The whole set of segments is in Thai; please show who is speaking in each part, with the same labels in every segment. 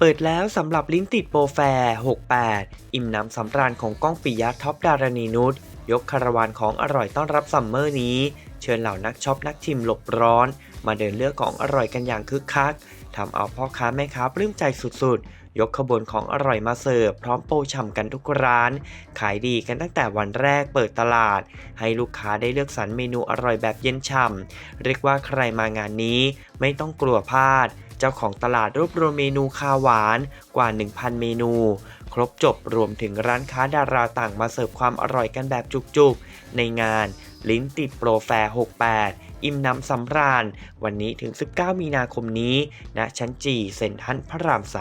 Speaker 1: ปิดแล้วสำหรับลิ้นติดโปรแฟร์ 68 อิ่มน้ำสำราญของก้องปิยะท็อปดารณีนุชยกคาราวานของอร่อยต้อนรับซัมเมอร์นี้เชิญเหล่านักช็อปนักชิมหลบร้อนมาเดินเลือกของอร่อยกันอย่างคึกคักทำเอาพ่อค้าแม่ค้าปลื้มใจสุดๆยกขบวนของอร่อยมาเสิร์ฟพร้อมโปรฉ่ำกันทุกร้านขายดีกันตั้งแต่วันแรกเปิดตลาดให้ลูกค้าได้เลือกสรรเมนูอร่อยแบบเย็นฉ่ำเรียกว่าใครมางานนี้ไม่ต้องกลัวพลาดเจ้าของตลาดรวบรวมเมนูคาวหวานกว่า 1,000 เมนูครบจบรวมถึงร้านค้าดาราต่างมาเสิร์ฟความอร่อยกันแบบจุกๆในงานลิ้นติดโปรแฟร์ 68 อิ่มน้ำสำราญวันนี้ถึง 19 มีนาคมนี้ณชั้นจีเซ็นทรัลพระราม 3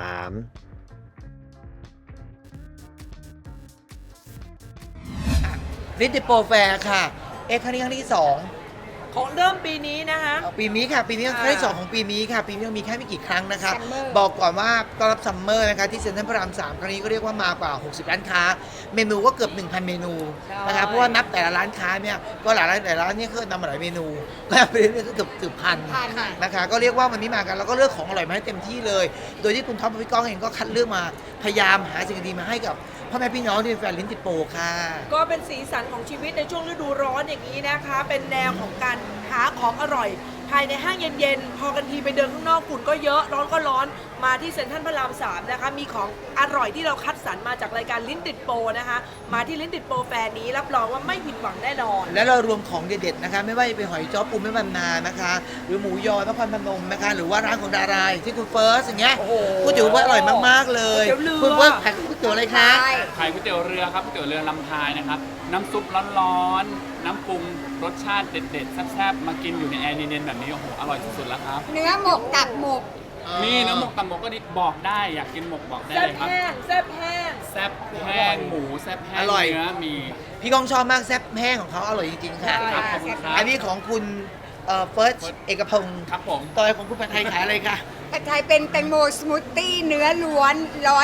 Speaker 2: ลิ้นติดโปรแฟร์ค่ะครั้งที่2
Speaker 3: ของเริ่มปีนี้นะคะ
Speaker 2: ปีนี้ค่ะปีนี้ครั้งที่2ของปีนี้ค่ะปีนี้มีแค่ไม่กี่ครั้งนะคะบอกก่อนว่าต้อนรับซัมเมอร์นะคะที่เซ็นทรัลพระราม 3ครั้งนี้ก็เรียกว่ามากว่า60ร้านค้าเมนูก็เกือบ 1,000 เมนูนะคะเพราะว่านับแต่ละร้านค้าเนี่ยก็หลายร้านแต่ละร้านเนี่ยก็นำมาหลายเมนูก็ไปเรื่อยๆก็เกือบพันนะคะก็เรียกว่าวันนี้มากันแล้วก็เลือกของอร่อยมาให้เต็มที่เลยโดยที่คุณท็อปกับพี่ก้องเองก็คัดเลือกมาพยายามหาสิ่งดีมาให้กับพ่อแม่พี่น้องที่เป็นแฟนลิ้นติดโปรค่ะ
Speaker 3: ก็เป็นสีสันของชีวิตในช่วงฤดูร้อนอย่างนี้นะคะเป็นแนวของการหาของอร่อยภายในห้างเย็นๆพอกันทีไปเดินข้างนอกฝุ่นก็เยอะร้อนก็ร้อนมาที่เซ็นทรัลพระราม 3นะคะมีของอร่อยที่เราคัดสรรมาจากรายการลิ้นติดโปรนะคะมาที่ลิ้นติดโปรแฟร์นี้รับรองว่าไม่ผิดหวังแน่นอน
Speaker 2: และเรารวมของเด็ดๆนะคะไม่ว่าจะเป็นหอยจ้อปูแม่บรรณานะคะหรือหมูยอนครพนมนะคะหรือว่าร้านของดาราที่คุณเฟิร์สอย่างเงี้ยก๋วยเตี๋ยวว่าอร่อยมากๆเลยคุณเฟิร์สขายก๋วยเตี๋ยวอะไรคะ
Speaker 4: ขายก๋วยเตี๋ยวเรือครับก๋วยเตี๋ยวเรือลำพายนะครับน้ำซุปร้อนๆน้ำปรุงรสชาติเด็ดๆแซ่บๆมากินอยู่ในแอร์เย็นๆแบบนี้โอ้โหอร่อยสุดๆแล้วครับ
Speaker 5: เนื้อหมกตับหมก
Speaker 4: มีเนื้อหมกตับหมกก็ดีบอกได้อยากกินหมกบอกได้เลยครับ
Speaker 3: แซ่บแห้ง
Speaker 4: แซ่บแห้งหมูแซ่บแห้งเนื้อมี
Speaker 2: พี่กองชอบมากแซ่บแห้งของเขาอร่อยจริงๆค่ะ
Speaker 4: ขอบคุณครับ
Speaker 2: อันนี้ของคุณเฟิร์สเอกพงศ์
Speaker 4: ครับผม
Speaker 2: ต่อของคุณผัดไทยขายอะไรคะ
Speaker 5: ผัดไทยเป็นแตงโมสมูทตี้เนื้อล้วน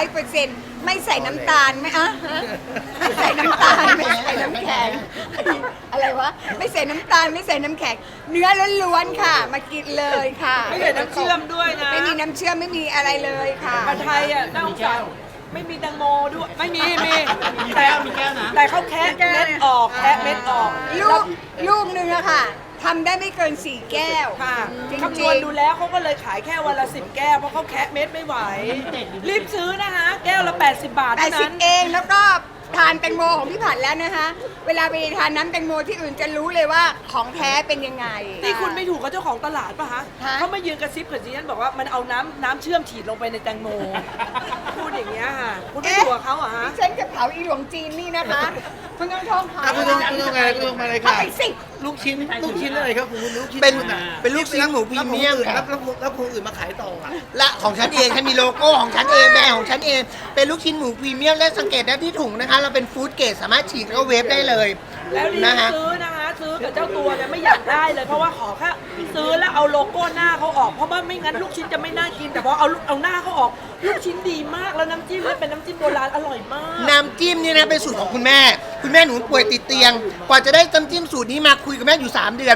Speaker 5: 100%ไม่ใส่น้ำตาลไม่ไม่ใส่น้ำตาลไม่ใส่น้ำแข็งอะไรวะไม่ใส่น้ำตาลไม่ใส่น้ำแข็งเนื้อล้วนๆค่ะมากินเลยค่ะ
Speaker 3: ไม่ใส่น้ำเชื่อมด้วยนะ
Speaker 5: ไม่มีน้ำเชื่อมไม่มีอะไรเลยค่ะ
Speaker 3: ผัดไทยอ่ะน่าสงสารไม่มีแตงโมด้วยไม่มีแต่เขาแคะเม็ดออกแคะเม็ดออก
Speaker 5: ลูกนึงอะค่ะทำได้ไม่เกิน4 แก้ว
Speaker 3: ค่ะคำนวณดูแล้วเขาก็เลยขายแค่วันละ10 แก้วเพราะเขาแคะเม็ดไม่ไหวรีบซื้อนะคะแก้วละ80 บาทเท่านั้น
Speaker 5: 80เองแล้วก็ทานแตงโมของพี่ผัดแล้วนะคะเวลาไปทานน้ำแตงโมที่อื่นจะรู้เลยว่าของแท้เป็นยังไง
Speaker 3: นี่คุณไม่ถูกกับเจ้าของตลาดป่ะฮะเขามายืนกระซิบกับดิฉันบอกว่ามันเอาน้ำเชื่อมฉีดลงไปในแตงโมพูดอย่างเงี้ยค่ะคุณไม่ถูกกับเขาเหรอฮะ
Speaker 5: ฉันจะเผาอีหลวงจีนนี่นะคะคุณต้องท่องค่ะ
Speaker 2: คุณต้องอะไรคุณต้องมาเลยค่ะลูกชิ้นอะไรครับคุณลูกชิ้นเป็นลูกชิ้นหมูพรีเมียมแล้วคนอื่นมาขายต่อและของฉันเองฉันมีโลโก้ของฉันเองแบรนด์ของฉันเองเป็นลูกชิ้นหมูพรีเมียมและสังเกตได้ที่ถุงนะคะเราเป็นฟู้ดเกรดสามารถฉีกแล้วเวฟได้เลย
Speaker 3: แล้วรีบซื้อนะคะซื้อกับเจ้าตัวเนี่ยไม่อยากได้เลยเพราะว่าขอแค่ซื้อแล้วเอาโลโก้หน้าเขาออกเพราะว่าไม่งั้นลูกชิ้นจะไม่น่ากินแต่พอเอาหน้าเขาออกลูกชิ้นดีมากแล้วน้ำจิ้มเป็นน้ำจิ้มโบราณอร่อยมาก
Speaker 2: น้ำจิ้มนี่นะเป็นสูตรของคุณแม่หนูป่วยติดเตียงกว่าจะได้น้ำจิ้มสูตรนี้มาคุยกับแม่อยู่3 เดือน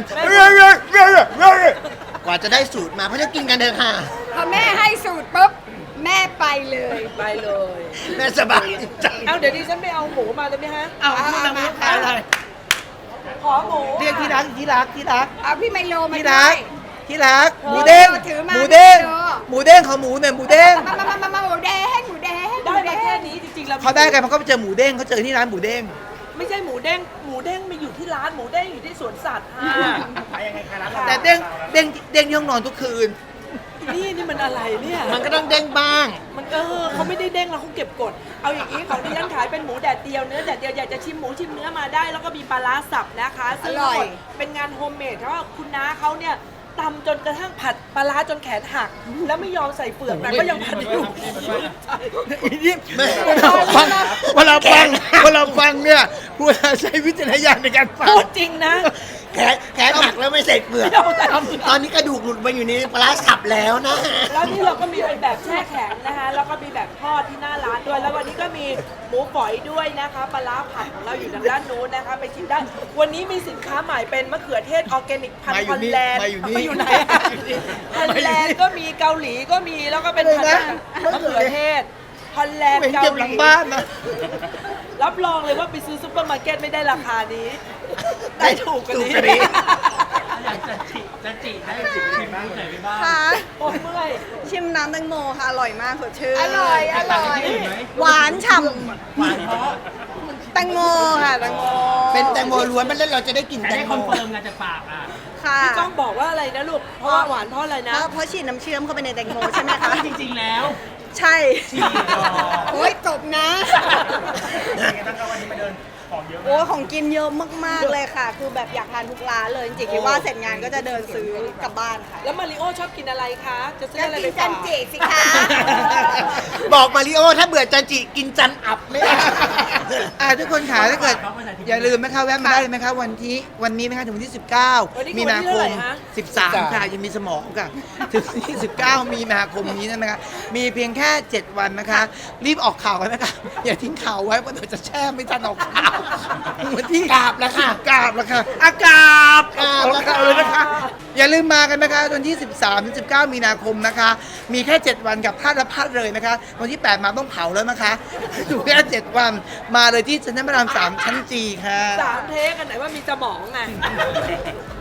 Speaker 2: กว่าจะได้สูตรมาเพราะจะกินกันเถอะค่ะ
Speaker 5: พอแม่ให้สูตรปุ๊บแม่ไปเลย
Speaker 2: แม่สบายใจ
Speaker 3: เอาเดี๋ยวดิฉันไปเอาหมูมาเลยไหมฮะ
Speaker 2: เอามาขายอะไร
Speaker 3: ขอหมู
Speaker 2: เรียกที่รัก
Speaker 5: เอาพี่ไมโลมา
Speaker 2: ที่รักหมูเด้งของหมูหน่อยหมูเด้ง
Speaker 5: มาหมูแดง
Speaker 3: ได้มาแค่นี้จริงๆแล้ว
Speaker 2: เขาได้กันเพราะเขาไปเจอหมูเด้งเขาเจอที่ร้านหมูเด้ง
Speaker 3: ไม่ใช่หมูเด้งไม่อยู่ที่ร้านหมูเด้งอยู่ที่สวนสัตว์
Speaker 2: แต่เด้งที่ห้องนอนทุกคืน
Speaker 3: นี่มันอะไรเนี่ย
Speaker 2: มันก็ต้องเด้งบ้าง
Speaker 3: มันเขาไม่ได้เด้งแล้วเขาเก็บกดเอาอย่างนี้ของดิฉันขายเป็นหมูแดดเดียวเนื้อแดดเดียวอยากจะชิมหมูชิมเนื้อมาได้แล้วก็มีปลาร้าสับนะคะซึ่งเป็นงานโฮมเมดเพราะว่าคุณน้าเขาเนี่ยตำจนกระทั่งผัดปลาร้าจนแขนหักแล้วไม่ยอมใส่เปลือกแต่ก็ยังผัดอยู่
Speaker 2: เวลาฟังเนี่ยพูดใช้วิจารณญาณในการฟัง
Speaker 3: พูดจริงนะ
Speaker 6: แขนหักแล้วไม่ใส่เปลือก ตอนนี้กระดูกหลุดมาอยู่ในปลาร้าสับแล้วนะฮะ
Speaker 3: แล้วนี่เราก็มีเป็นแบบแช่แข็งนะคะ แล้วก็มีแบบทอดที่หน้าร้านด้วย แล้ววันนี้ก็มีหมูฝอยด้วยนะคะ ปลาร้าผัดของเราอยู่ทางด้านนู้นนะคะ ไปชิมได้ วันนี้มีสินค้าใหม่เป็นมะเขือเทศออร์แกนิกพันธุ์ฮอลแลนด์
Speaker 2: มาอยู่นี่
Speaker 3: มาอยู่ไหนอะฮอลแลนด์ก็มีเกาหลีก็มี แล้วก็เป็นพันธุ์มะเขือเทศฮอลแลนด์
Speaker 2: เห็น
Speaker 3: เกา
Speaker 2: เก็บ
Speaker 3: ห
Speaker 2: หลัง
Speaker 3: ลี
Speaker 2: บ้านนะ
Speaker 3: รับรองเลยว่าไปซื้อซุปเปอร์มาร์เก็ตไม่ได้ราคานี้ ได้ถูกกว่านี้
Speaker 2: ถูกกว่านี้
Speaker 5: ค่ะ
Speaker 3: โอ้เมื่อย
Speaker 5: ชิมน้ำแตงโมค่ะ อร่อยมากสดชื่น
Speaker 3: อร่อย
Speaker 5: หวานฉ่ำแตงโมค่ะแตงโม
Speaker 2: เป็นแตงโมล้วนมันแล้วเราจะได้กลิ่นแตงโม
Speaker 5: ค่ะ
Speaker 3: พี่ก้องบอกว่าอะไรนะลูก เพราะว่าหวานเพราะอะไรนะ
Speaker 5: เพราะฉีดน้ำเชื่อมเข้าไปในแตงโมใช่ไหมคะ
Speaker 7: จริงๆแล้ว
Speaker 5: ใช่โอ้ยจบนะโอ้ยของกินเยอะมากๆเลยค่ะ คือแบบอยากทานทุกร้านเลย จริงๆคิดว่าเสร็จงานก็จะเดินซื้อกลับบ้านค่ะ
Speaker 3: แล้วมาริโอชอบกินอะไรคะ จะซื้อ
Speaker 5: จะ
Speaker 3: อะไร
Speaker 5: กิ
Speaker 3: ไป
Speaker 5: นจั
Speaker 3: ฝาน ก
Speaker 5: จิสิคะ
Speaker 6: บอกมาริโอถ้าเบื่อจันจิกินจันอับไม่ได้
Speaker 2: ทุกคนค่ะถ้าเกิดอย่าลืมนะคะแวะมาได้เลยนะคะวันนี้นะคะถึงวันที่
Speaker 3: วันนี้
Speaker 2: 19 มีนาค
Speaker 3: วันที่เท่าไหร่
Speaker 2: ม
Speaker 3: ฮะ
Speaker 2: 13 ค่ะยังมีสมองค่ะ ถึงวันที่ 19 มีนาคมนี้นะคะมีเพียงแค่ 7 วันนะคะ รีบออกข่าวกันนะคะ อย่าทิ้งข่าวไว้เพราะเดี๋ยวจะแช่ไม่ทันออกข่าววันที่กราบแล้วค่ะกราบแล้วค่ะอากาบแล้วค่ะเลยนะคะ อย่าลืมมากันนะคะวันที่ 13 ถึง 19 มีนาคมนะคะ มีแค่ 7 วันกับพลาดและพลาดเลยนะคะ วันที่ 8 มาต้องเผาแล้วนะคะอยู่แค่ 7 วันมาเลยที่เซ็นทรัลพระราม 3 ชั้นจีค่ะ
Speaker 3: 3 เทคกันไหนว่ามีสมองไง